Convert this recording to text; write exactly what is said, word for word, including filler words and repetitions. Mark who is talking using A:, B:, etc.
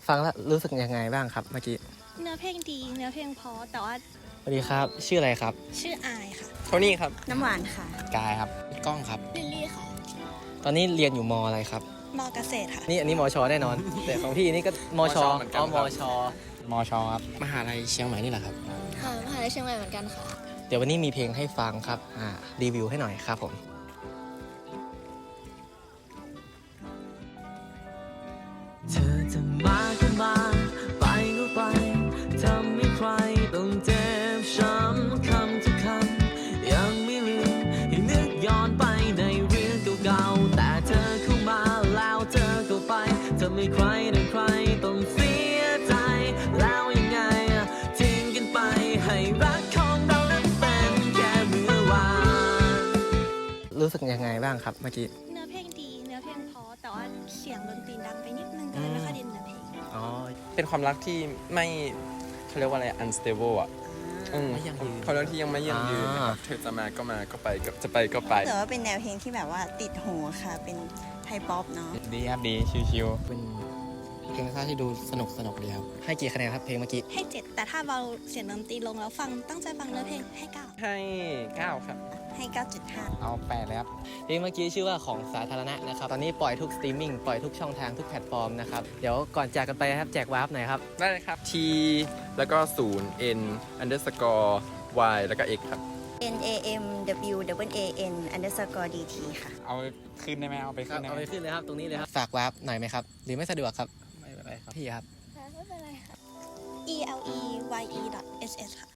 A: ฟังแล้วรู้สึกยังไงบ้างครับเมื่อกี้
B: เนื้อเพลงดีเนื้อเพลงเพราะแต่ว่า
A: สวัสดีครับชื่ออะไรครับ
B: ชื่ออายค่ะ
A: โทนี่ครับ
C: น้ำหวานค่ะ
A: กายครับก้องครับ
B: ลิลลี่ค่ะ
A: ตอนนี้เรียนอยู่มอะไรครับ
B: มเกษตรค่ะ
A: นี่อันนี้มชแน่นอน แต่ของพี่นี่ก็มช
D: เหมือนกัน
A: อ๋อ
D: ค
A: ม
D: รับ
A: ชมชครับมหาลัยเชียงใหม่นี่แหละครับ
C: ค่ะมหาลัยเชียงใหม่เหมือนกันค่ะ
A: เดี๋ยววันนี้มีเพลงให้ฟังครับอ่ารีวิวให้หน่อยครับผม
E: เธอจะมาก็มาไปก็ไปทำให้ใครต้องเจ็บช้ำคำทุกคำยังไม่ลืมให้นึกย้อนไปในเรื่องเก่าๆแต่เธอเข้ามาแล้วเธอก็ไปทำให้ใครต่อใครต้องเสียใจแล้วยังไงทิ้งกันไปให้รักของเรานั้นเป็นแค่เมื่อวาน
A: รู้สึกยังไงบ้างครับเมื่อกี้
B: เนื้อเพลงดีเนื้อเพลงเพราะแต่ว่าเสียงดนตรีดังไปนิดนึงก็เลยไม่ค่อยได้เนื้อเพลง
A: อ๋อ
D: เป็นความรักที่ไม่เขาเรียกว่าอะไร unstable อ่ะอืม
A: ไม่ยั่งยืน
D: ความรักที่ยังไม่ยั่งยืนนะครับ
A: อ่า
D: เธอจะมาก็มาก็ไปก็จะไปก็ไป
C: แต่ว่าเป็นแนวเพลงที่แบบว่าติดหูค่ะเป็นไทยป๊อปเนาะ
D: ดีครับดีชิว
A: เป็นเพลงซ่าที่ดูสนุกสนุกดีครับให้กี่คะแนนครับเพลงเมื่อกี้
B: ให้เจ็ดแต่ถ้าเบาเสียงดนตรีลงแล้วฟังตั้งใจฟังเนื้อเพลงให้เก้า
D: ๆให้เก้าครับ
C: ให้ เก้าจุดห้า
D: เอาแปดเลยครับ
A: เพลงเมื่อกี้ชื่อว่าของสาธารณะนะครับตอนนี้ปล่อยทุกสตรีมมิ่งปล่อยทุกช่องทางทุกแพลตฟอร์มนะครับเดี๋ยวก่อนจากกันไปครับแจกวาร์ปหน่อยครับ
D: ได้เลยครับ T แล้วก็ศูนย์ N underscore Y แล้วก็ X ครับ
C: N A M W W A N underscore D T ค่ะ
D: เอาขึ้นได้ไหมเอาไป
A: ครั
D: ขึ้
A: บ
D: นได้
A: เอา
D: ไหม
A: ไปขึ้นเลยครับตรงนี้เลยครับฝากวาร์ปหน่อยไหมครับหรือไม่สะดวกครับ
D: ไม่เป็นไรครับ
A: พี่ครับ
B: ไม่เป็นไรค่ะ e l e y e dot s s ค่ะ